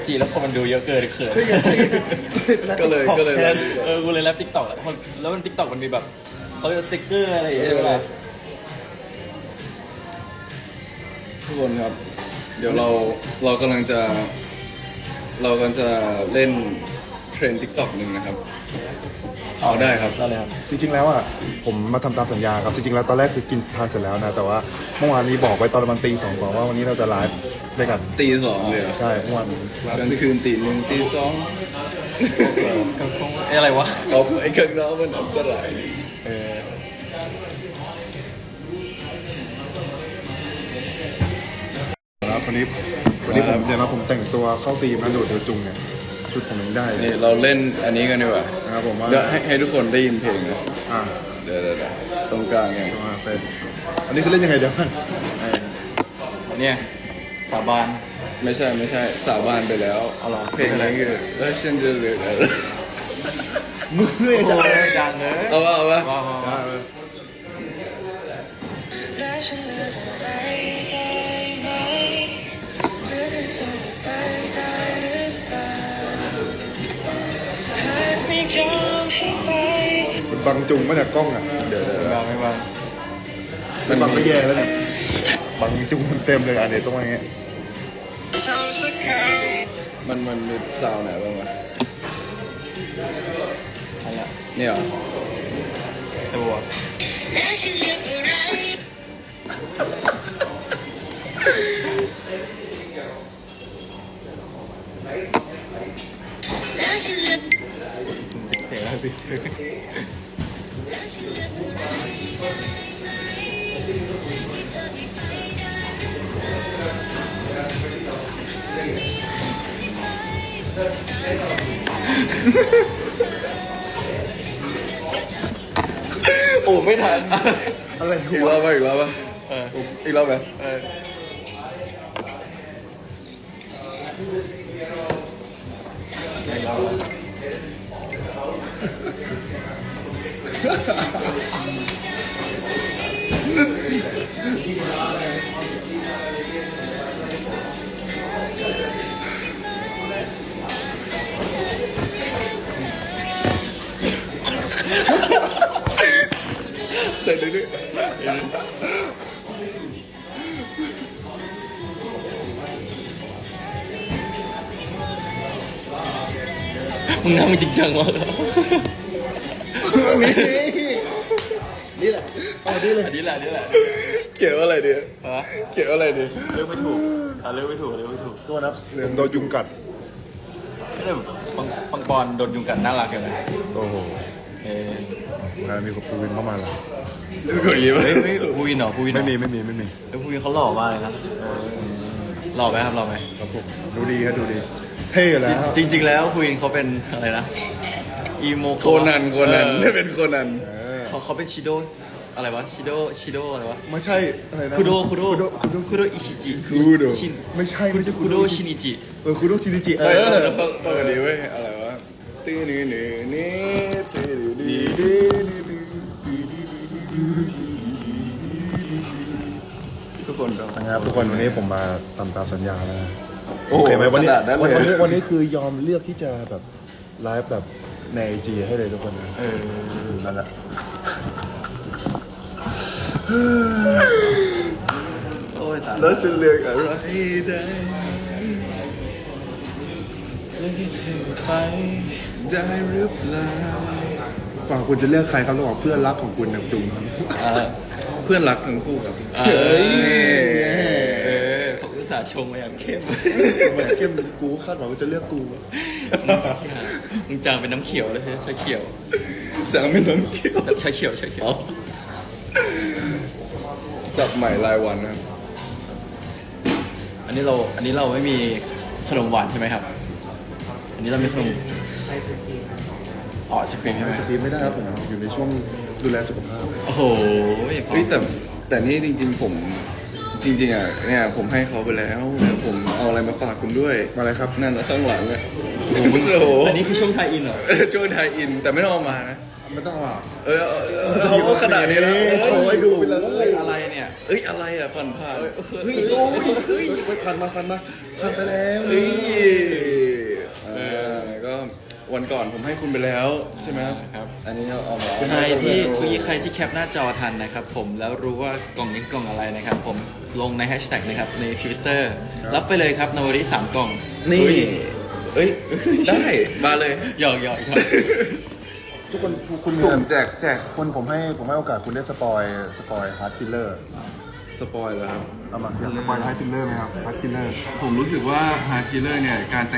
จีแล้วคนมันดูเยอะเกินเขินก็เลยกูเลยแรปติ๊กต็อกแล้วมันติ๊กต็อกมันมีแบบเขาเรียกสติ๊กเกอร์อะไรอย่างเงี้ยใช่ไหมทุกคนครับ เดี๋ยวเรากำลังจะเล่นเทรนด์ TikTok หนึ่งนะครับเอาได้ครับได้เลยครับจริงๆแล้วอ่ะผมมาทำตามสัญญาครับจริงๆแล้วตอนแรกคือกินทานเสร็จแล้วนะแต่ว่าเมื่อวานนี้บอกไว้ตอนประมาณตี 2ก่อนว่าวันนี้เราจะไลฟ์ด้วยกันตี 2เลยเหรอใช่เมื่อวานกลางคืนตี 1ตี 2 อะไรวะเอาไอ้ข้างนอกมันอันตรายแล้ววันนี้ผมเนี่ยนะผมแต่งตัวเข้าตีมนะโดดเดียวจุงเนี่ยชุดผมยังได้เลยนี่เราเล่นอันนี้กันดีกว่านะครับผมว่าเดี๋ยวให้ทุกคนได้ยินเพลงนะอ่าเดี๋ยวตรงกลางไงเป็นอันนี้คือเล่นยังไงเดี๋ยวกันเนี่ยสาบานไม่ใช่สาบานไปแล้วเอาเหรอเพลงนี้คือแล้วฉันจะเหลืออะไรมือเลยจ้ะดังเลยเอาวะว้าวและฉันเลือกอะไรได้ไหมหรือจะไปได้หรือเปล่าหากไม่ยอมให้ไปมันบังจุงมาจากกล้องอ่ะเดี๋ยววางไม่วางมันบังไม่แย่แล้วเนี่ยบังจุงมันเต็มเลยอ่ะเดี๋ยวต้องมาอย่างเงี้ยทำสักคำมันมีซาวด์ไหนบ้างวะอะไรอะเนี่ยเหรอตัวและฉันเลือกอะไรและฉันเลือกเสียงอะไรเสียงและฉันเลือกอะไรโอ้ไม่ทันอะไรอีกรอบป่ะอีกรอบป่ะอีกรอบไหมแต่ดื้อมึงนั่งจริงจังวะนี่แหละเอาดิเลยอันนี้แหละเขียนว่าอะไรดีฮะเขียนว่าอะไรดีเลือกไม่ถูกเลือกไม่ถูกตัวนับผมโดนยุงกัดไม่ได้ปังปอนโดนยุงกัดน่ารักเลยนะโอ้โหเออมีกับปูวินเข้ามาแล้วสกุลยิ้มเฮ้ยภูวินเหรอภูวินไม่มีแล้วภูวินเขาหล่อมากเลยนะหล่อไหมครับหล่อไหมครับผมดูดีครับดูดี เท่แล้วจริงๆแล้วภูวินเขาเป็นอะไรนะอีโมโคนันไม่เป็นโคนันเขาเป็นชิโดอะไรวะชิโดอะไรวะไม่ใช่อะไรนะคุโดอิชิจิคูโดไม่ใช่คุโดชินิจิคุโดชินิจิต้องอันนี้เว้ยอะไรวะตื้อนี่ตื้อดีทุกคนก็นะครับทุกคนวันนี้ผมมาทำตามสัญญาแล้วนะโอ้โอเคไหมวันนี้ขนาดนั้นเลยวันนี้คือยอมเลือกที่จะแบบไลฟ์แบบในไอจีให้เลยทุกคนนะนั่นแหละโอ้ยตายแล้วฉันเลือกอะไรได้เลือกให้เธอไปได้หรือเปล่าก่อนคุณจะเลือกใครครับระหว่างเพื่อนรักของคุณกับจุงครับเพื่อนรักทั้งคู่ครับเขาอุตส่าห์ชงมาอย่างเข้มเหมือนเข้มกูคาดหวังว่าจะเลือกกูมึงจางเป็นน้ำเขียวเลยใช่ชาเขียวจังไม่น้ำเขียวชาเขียวสับใหม่รายวันนะครับอันนี้เราไม่มีขนมหวานใช่ไหมครับ อันนี้เรามีขนมอ๋อไอศครีมใช่ไหมสกรีนไม่ได้ครับผมอยู่ในช่วงดูแลสุขภาพโอ้โหเฮ้ยแต่นี่จริงๆผมจริงๆอ่ะเนี่ยผมให้เขาไปแล้วผมเอาอะไรมาฝากคุณด้วยมาอะไรครับนั่นนะข้างหลังอ่ะโอ้โหอันนี้คือช่วงไทยอินเหรอช่วยไทยอินแต่ไม่ต้องเอามานะไม่ต้องเอาเอาขนาดนี้แล้วโชว์ให้ดูไปเลยอะไรเนี่ยเอ้ยอะไรอ่ะผ่านเฮ้ยโอ้ยเฮ้ยพันมาพันไปแล้วเฮ้ยก็วันก่อนผมให้คุณไปแล้วใช่ไหมครับอันนี้เอามาใครที่แคปหน้าจอทันนะครับผมแล้วรู้ว่ากล่องนี้กล่องอะไรนะครับ ผมลงในแฮชแท็กนะครับใน Twitter รับไปเลยครับนวริ3 กล่องนี่เอ้ยได้มาเลยหยอกครับทุกคนคุณสุ่มแจกคุณผมให้โอกาสคุณได้สปอยฮาร์ดคิลเลอร์สปอยแล้วครับเอามาสปอยฮาร์ดคิลเลอร์ไหมครับฮาร์ดคิลเลอร์ผมรู้สึกว่าฮาร์คิลเลอร์เนี่ยการแต่ง